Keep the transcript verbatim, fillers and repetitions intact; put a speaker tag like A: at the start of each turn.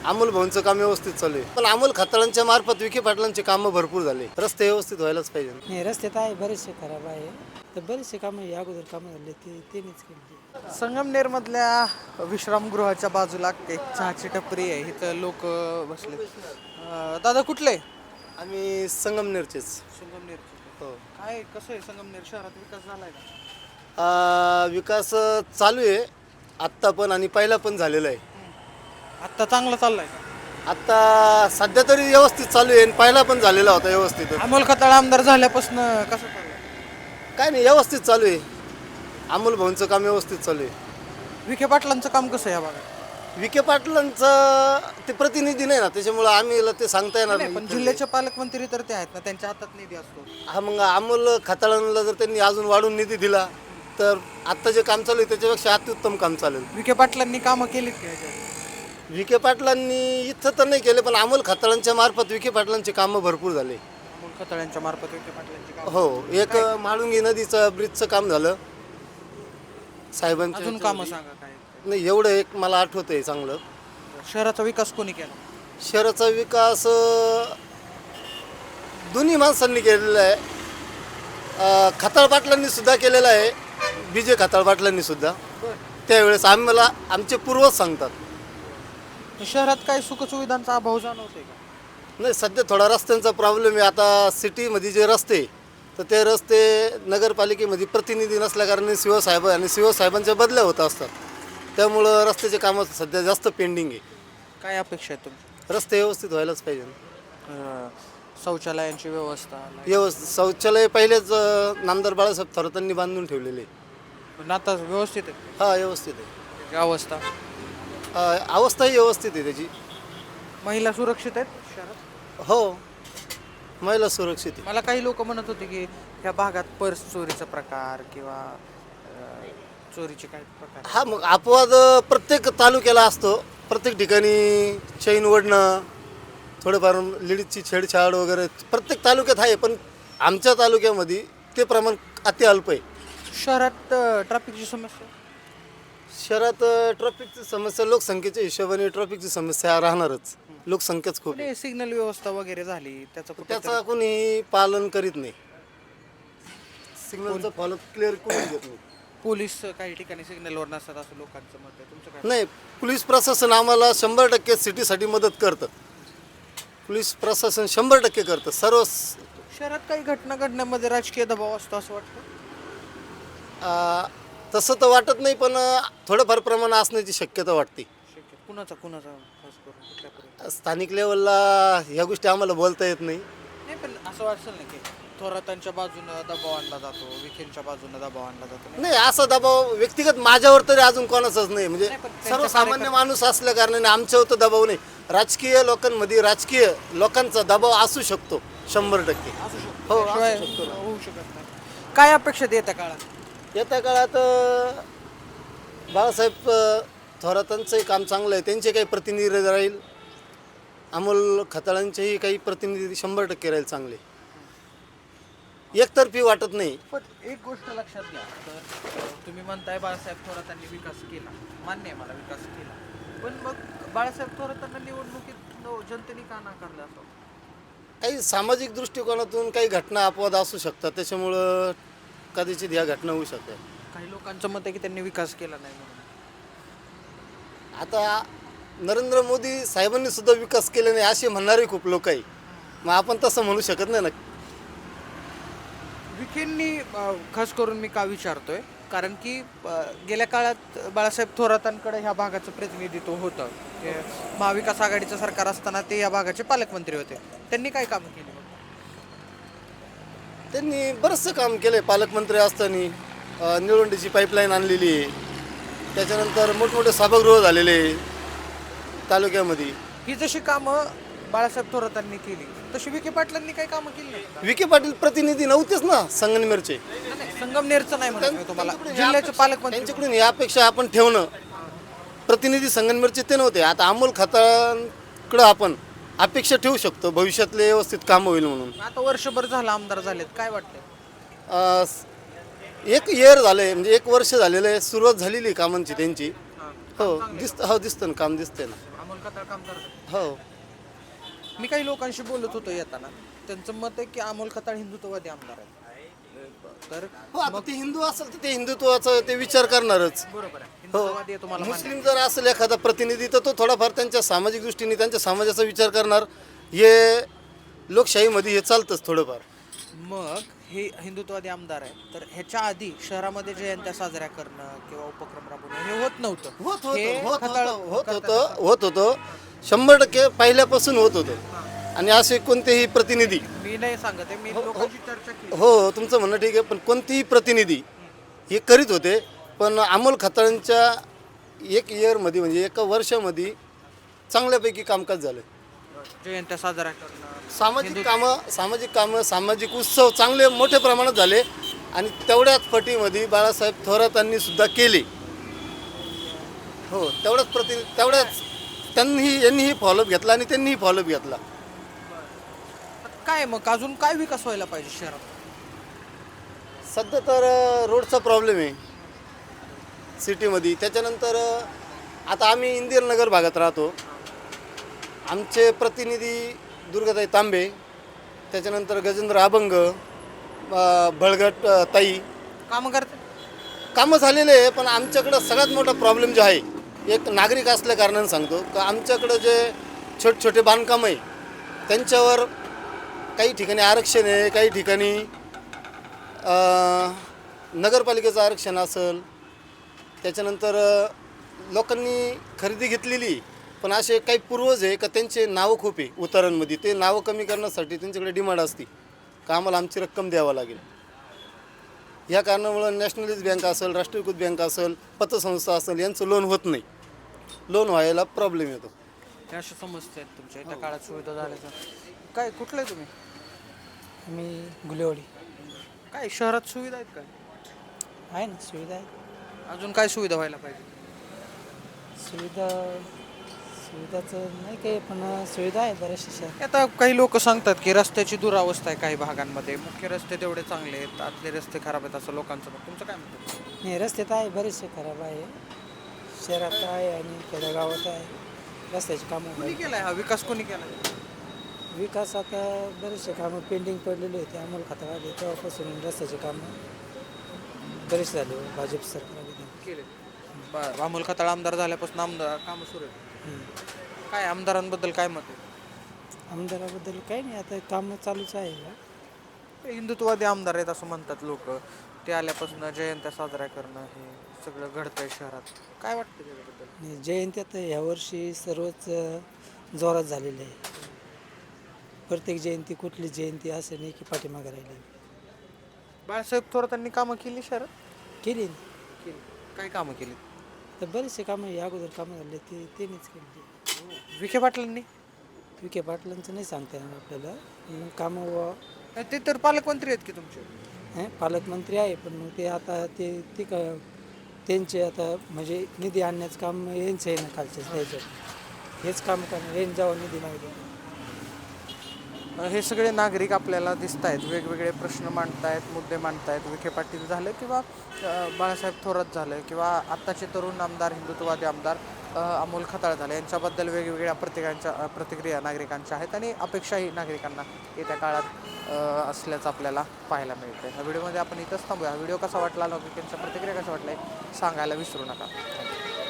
A: अमोल भाऊंचं काम व्यवस्थित चालू आहे, पण अमोल खताळांच्या मार्फत विखे पाटलांचे कामं भरपूर झाले. रस्ते व्यवस्थित व्हायलाच पाहिजे.
B: नाही, रस्ते तर आहे बरेचसे खराब आहे, तर बरेचसे कामं या अगोदर कामं झाले ते त्यांनीच केली.
C: संगमनेरमधल्या विश्रामगृहाच्या बाजूला एक चहाची टपरी आहे, इथं लोक बसले. अं, दादा कुठले?
A: आम्ही संगमनेरचेच.
C: संगमनेर.
A: हो.
C: काय कसं आहे संगमनेर शहरात विकास झालाय का?
A: आ, विकास चालू आहे आत्ता पण आणि पहिला पण झालेला आहे.
C: आत्ता चांगला चाललाय का?
A: आत्ता सध्या तरी व्यवस्थित चालू आहे आणि पहिला पण झालेला होता व्यवस्थित.
C: अमोल खताळ आमदार झाल्यापासून कसं चाललंय?
A: काय नाही, व्यवस्थित चालू आहे. अमोल भाऊंचं काम व्यवस्थित चालू आहे.
C: विखे पाटलांचं काम कसं आहे या भागात?
A: विखे पाटलांचं ते प्रतिनिधी नाही ना, त्याच्यामुळं आम्ही ते सांगता येणार
C: नाही, पण
A: नाही.
C: जिल्ह्याचे पालकमंत्री तर ते आहेत ना, त्यांच्या हातात निधी असतो.
A: हा, मग अमोल खताळांना जर त्यांनी अजून वाढून निधी दिला तर आत्ता जे काम चालू आहे त्याच्यापेक्षा अत्युत्तम काम चालेल.
C: विखे पाटलांनी कामं केलीत का ह्याच्यात?
A: विखे पाटलांनी इथं तर नाही केले, पण अमोल खताळांच्या मार्फत विखे पाटलांचे कामं भरपूर झाले.
C: अमोल खताळांच्या मार्फत विखे पाटलांची कामं.
A: हो, एक म्हाळुंगी नदीचं ब्रिजचं काम झालं साहेबांच्या.
C: अजून कामं सांगा काय?
A: नाही, एवढं एक मला आठवत आहे चांगलं.
C: शहराचा विकास कोणी केला?
A: शहराचा विकास अं, दोन्ही माणसांनी केलेला आहे. अं, खताळ पाटलांनी सुद्धा केलेला आहे, विजय खताळ पाटलांनी सुद्धा. त्यावेळेस आम्हाला आमचे पूर्वज सांगतात.
C: शहरात काय सुखसुविधांचा अभाव जाणवतोय का?
A: नाही, सध्या थोडा रस्त्यांचा प्रॉब्लेम आहे. आता सिटीमध्ये जे रस्ते तर ते रस्ते नगरपालिकेमध्ये प्रतिनिधी नसल्याकारणे शिवसाहेब आणि शिवसाहेबांच्या बदल्या होत असतात. त्यामुळं रस्त्याचे कामं सध्या जास्त पेंडिंग आहे.
C: काय अपेक्षा आहे तुमची?
A: रस्ते व्यवस्थित व्हायलाच पाहिजे.
C: अं, शौचालयांची व्यवस्था,
A: व्यवस्थित शौचालय पहिलेच अं, नामदार बाळासाहेब थोरातांनी बांधून ठेवलेले.
C: नाता व्यवस्थित आहे?
A: हा, व्यवस्थित आहे.
C: त्याची अवस्था,
A: अं, अवस्थाही व्यवस्थित आहे त्याची.
C: महिला सुरक्षित आहेत शहरात?
A: हो, महिला सुरक्षित आहे.
C: मला काही लोक म्हणत होते की ह्या भागात पर्स चोरीचा प्रकार किंवा अं, चोरीचे काही प्रकार.
A: हा, मग अपवाद प्रत्येक तालुक्याला असतो. प्रत्येक ठिकाणी चैन ओढणं, थोडंफार लेडीजची छेडछाड वगैरे प्रत्येक तालुक्यात आहे, पण आमच्या तालुक्यामध्ये ते प्रमाण अति अल्प आहे.
C: शहरात ट्रॅफिकची समस्या?
A: शहरात ट्रॅफिकची समस्या लोकसंख्येच्या हिशोबाने ट्रॅफिकची समस्या राहणारच. लोकसंख्याच खूप आहे.
C: सिग्नल व्यवस्था वगैरे झाली त्याचं कुठं
A: त्याचा कोणी पालन करीत नाही. सिग्नलचं फॉलो क्लिअर कोणी देत नाही.
C: पोलीस काही ठिकाणी सिग्नलवर नसतात असं लोकांचं मत आहे. तुमचं काय?
A: नाही, पोलीस प्रशासन आम्हाला शंभर टक्के सिटीसाठी मदत करतं. पोलीस प्रशासन शंभर टक्के करतं. सर्व
C: शहरात काही घटना घडण्यामध्ये राजकीय दबाव असतो असं वाटतं?
A: आ, तसं तर वाटत नाही, पण थोडंफार प्रमाण असण्याची शक्यता वाटते.
C: शक्य कुणाचा कुणाचा खास करून कुठल्यापर्यंत?
A: स्थानिक लेवलला ह्या गोष्टी आम्हाला बोलता येत नाही.
C: नाही, पण असं वाटतं ना की थोरातांच्या बाजूनं दबाव आणला जातो, विखेंच्या बाजूनं दबाव आणला जातो.
A: नाही, असा दबाव व्यक्तिगत माझ्यावर तरी अजून कोणाचाच नाही. म्हणजे
C: नाही, पण त्यांच्या
A: सर्वसामान्य
C: कार्यकर्ते-
A: माणूस असल्या कारणाने आमच्यावर तर दबाव नाही. राजकीय लोकांमध्ये राजकीय लोकांचा दबाव असू शकतो शंभर टक्के.
C: असू शकतो.
A: हो,
C: त्याशिवाय
A: असू शकतो.
C: होऊ शकत नाही. काय अपेक्षा येत्या काळात?
A: येत्या काळात अ, बाळासाहेब अ, थोरातांचंही काम चांगलं आहे, त्यांचे काही प्रतिनिधी राहील. अमोल खताळांचेही काही प्रतिनिधी शंभर टक्के राहील चांगले. एकतर्फी वाटत नाही.
C: पण एक गोष्ट लक्षात घ्या, तर तुम्ही म्हणताय बाळासाहेब थोरातांनी विकास केला, मान्य आहे मला, विकास केला, पण मग बाळासाहेब थोरातांना निवडणुकीत न- जनतेने का नाकारलं असं?
A: काही सामाजिक दृष्टिकोनातून काही घटना अपवाद असू शकतात, त्याच्यामुळं कदाचित ह्या घटना होऊ शकतात.
C: काही लोकांचं मत आहे की त्यांनी विकास केला नाही म्हणून.
A: आता नरेंद्र मोदी साहेबांनी सुद्धा विकास केला नाही असे म्हणणारे खूप लोक आहे. मग आपण तसं म्हणू शकत नाही ना.
C: विखेंनी अं, खास करून मी का विचारतोय, कारण की अं, गेल्या काळात बाळासाहेब थोरातांकडे ह्या भागाचं प्रतिनिधित्व होतं. हे महाविकास आघाडीचं सरकार असताना ते या भागाचे पालकमंत्री होते. त्यांनी काय कामं केली?
A: त्यांनी बरंचसं काम केलं आहे. पालकमंत्री असताना अ, निळवंडीची पाईपलाईन आणलेली आहे. त्याच्यानंतर मोठमोठे सभागृह झालेले आहे तालुक्यामध्ये.
C: ही जशी कामं बाळासाहेब थोरातांनी केली तशी विखे पाटलांनी काही कामं केली नाही?
A: विखे पाटील प्रतिनिधी नव्हतेच ना संगमनेरचे.
C: नाही, संगमनेरचं नाही म्हणत मी तुम्हाला, जिल्ह्याचे पालकमंत्री.
A: त्यांच्याकडून या अपेक्षा आपण ठेवणं, प्रतिनिधी संगमनेरचे ते नव्हते. आता अमोल खताळांकडं आपण अपेक्षा ठेवू शकतो भविष्यातले व्यवस्थित कामं होईल म्हणून.
C: आता वर्षभर झालं आमदार झालेत, काय वाटतंय?
A: अ, एक इयर झालं आहे, म्हणजे एक वर्ष झालेलं आहे. सुरुवात झालेली आहे कामांची त्यांची. हो, दिसतं हो दिसतं ना, काम दिसतंय ना.
C: अमोल खताळ काम करतात.
A: हो.
C: मी काही लोकांशी बोलत होतो येताना, त्यांचं मत आहे की अमोल खताळ हिंदुत्ववादी आमदार आहेत. तर
A: हो, आता ते हिंदू असेल तर ते हिंदुत्वाचा ते विचार करणारच.
C: बरोबर आहे, हिंदुत्ववादी आहे तुम्हाला मान्य आहे.
A: मुस्लिम जर असेल एखादा प्रतिनिधी तर तो थोडाफार त्यांच्या सामाजिक दृष्टीने त्यांच्या समाजाचा विचार करणार. हे लोकशाहीमध्ये हे चालतंच थोडंफार.
C: मग हे हिंदुत्ववादी आमदार आहेत, तर ह्याच्या आधी शहरामध्ये जयंत्या साजऱ्या करणं किंवा उपक्रम राबवणं हे होत नव्हतं.
A: होत
C: हे
A: होतं होत
C: खताळ
A: होतं होत
C: करतात
A: होतं
C: आता.
A: होत होतं शंभर टक्के पहिल्यापासून होत होतं. आणि असे कोणतेही प्रतिनिधी,
C: मी नाही सांगत आहे, मी लोकांची चर्चा केली.
A: हो तुमचं म्हणणं ठीक आहे, पण कोणतेही प्रतिनिधी हे करीत होते. पण अमोल खताळांच्या एक इयरमध्ये म्हणजे एका वर्षामध्ये चांगल्यापैकी कामकाज झालं.
C: जयंत्या साजरा करणं,
A: सामाजिक कामं सामाजिक कामं सामाजिक उत्सव चांगले मोठ्या प्रमाणात झाले. आणि तेवढ्याच पटीमध्ये बाळासाहेब थोरातांनी सुद्धा केले. हो तेवढ्याच प्रति तेवढ्याच त्यांनी यांनीही फॉलोअप घेतला आणि त्यांनीही फॉलोअप घेतला.
C: काय मग अजून काय विकास व्हायला पाहिजे शहरात?
A: सध्या तर अ, रोडचा प्रॉब्लेम आहे सिटीमध्ये. त्याच्यानंतर अ, आता आम्ही इंदिरानगर भागात राहतो. आमचे प्रतिनिधी दुर्गाताई तांबे, त्याच्यानंतर गजेंद्र अभंग, अ, बळगट अ, ताई
C: काम करते.
A: कामं झालेले आहे. पण आमच्याकडं सगळ्यात मोठा प्रॉब्लेम जो आहे, एक नागरिक असल्या कारणाने सांगतो का आमच्याकडं जे छोटे छोटे बांधकाम आहे त्यांच्यावर काही ठिकाणी आरक्षण आहे, काही ठिकाणी अ, नगरपालिकेचं आरक्षण असेल. त्याच्यानंतर अ, लोकांनी खरेदी घेतलेली, पण असे काही पूर्वज आहे का त्यांचे नावं खूप आहे उतारांमध्ये. ते नावं कमी करण्यासाठी त्यांच्याकडे डिमांड असते का आम्हाला आमची रक्कम द्यावं लागेल. या कारणामुळं नॅशनलाइज बँक असेल, राष्ट्रीयकृत बँक असेल, पतसंस्था असेल, यांचं लोन होत नाही. लोन व्हायला प्रॉब्लेम येतो.
C: ह्या अशा समस्या आहेत तुमच्या त्या काळात सुविधा झाल्याच्या. काय कुठलं आहे तुम्ही?
B: आम्ही गुलेवाडी.
C: काय शहरात सुविधा आहेत काय?
B: आहे ना, सुविधा आहे.
C: अजून काय सुविधा व्हायला पाहिजे?
B: सुविधा सुविधाचं नाही काही, पण सुविधा आहे बऱ्याचशा शहरात.
C: आता काही लोक सांगतात की रस्त्याची दुरावस्था आहे काही भागांमध्ये, मुख्य रस्ते तेवढे चांगले आहेत, आतले रस्ते खराब आहेत असं लोकांचं मत. तुमचं काय म्हणतं?
B: नाही, रस्ते तर आहे बरेचसे खराब आहे. शहरात आहे आणि खेडेगावात आहे. रस्त्याची कामं
C: कोणी
B: आहे.
C: केलाय हा विकास? कोणी केलाय?
B: विकास आता बरेचसे कामं पेंडिंग पडलेले होते. अमोल खताळ आले तेव्हापासून रस्त्याचे कामं बरेच झाले भाजप सरकारने.
C: केले. बरं, अमोल खताळ आमदार झाल्यापासून आमदार कामं सुरू आहेत. काय आमदारांबद्दल काय मत आहे?
B: आमदाराबद्दल काही नाही, आता कामं चालूच आहे.
C: हिंदुत्ववादी आमदार आहेत असं म्हणतात लोक. ते आल्यापासून जयंत्या साजरा करणं हे सगळं घडतंय शहरात. काय वाटतं त्याच्याबद्दल?
B: आणि जयंत्या तर ह्यावर्षी सर्वच अ, जोरात झालेले आहे. प्रत्येक जयंती कुठली जयंती असं नाही की पाठीमागे राहिली.
C: बाळासाहेब थोरातांनी कामं केली शहरात?
B: केली ना.
C: केली. काय कामं केली?
B: तर बरेचसे कामं या अगोदर कामं झाले ते त्यांनीच केली.
C: विखे पाटलांनी?
B: विखे पाटलांचं नाही सांगता येणार आपल्याला. पण कामं व
C: ते तर पालकमंत्री आहेत की तुमचे.
B: हे पालकमंत्री आहे, पण मग ते आता ते ते क त्यांचे आता म्हणजे निधी आणण्याचं काम यांचं आहे ना, खालच्याच द्यायचं हेच काम करणार. यांनी जेव्हा निधी मागितला
C: हे सगळे नागरिक आपल्याला दिसत आहेत, वेगवेगळे प्रश्न मांडतायत, मुद्दे मांडतायत. विखे पाटील झालं किंवा अ, बाळासाहेब थोरात झालं किंवा आत्ताचे तरुण आमदार, हिंदुत्ववादी आमदार अ, अमोल खताळ झाले, यांच्याबद्दल वेगवेगळ्या प्रतिकांच्या अ, प्रतिक्रिया नागरिकांच्या आहेत आणि अपेक्षाही नागरिकांना येत्या काळात अ, असल्याचं आपल्याला पाहायला मिळतं. ह्या व्हिडिओमध्ये आपण इथंच थांबूया. हा व्हिडिओ कसा वाटला, नागरिकांच्या प्रतिक्रिया कशा वाटल्या सांगायला विसरू नका.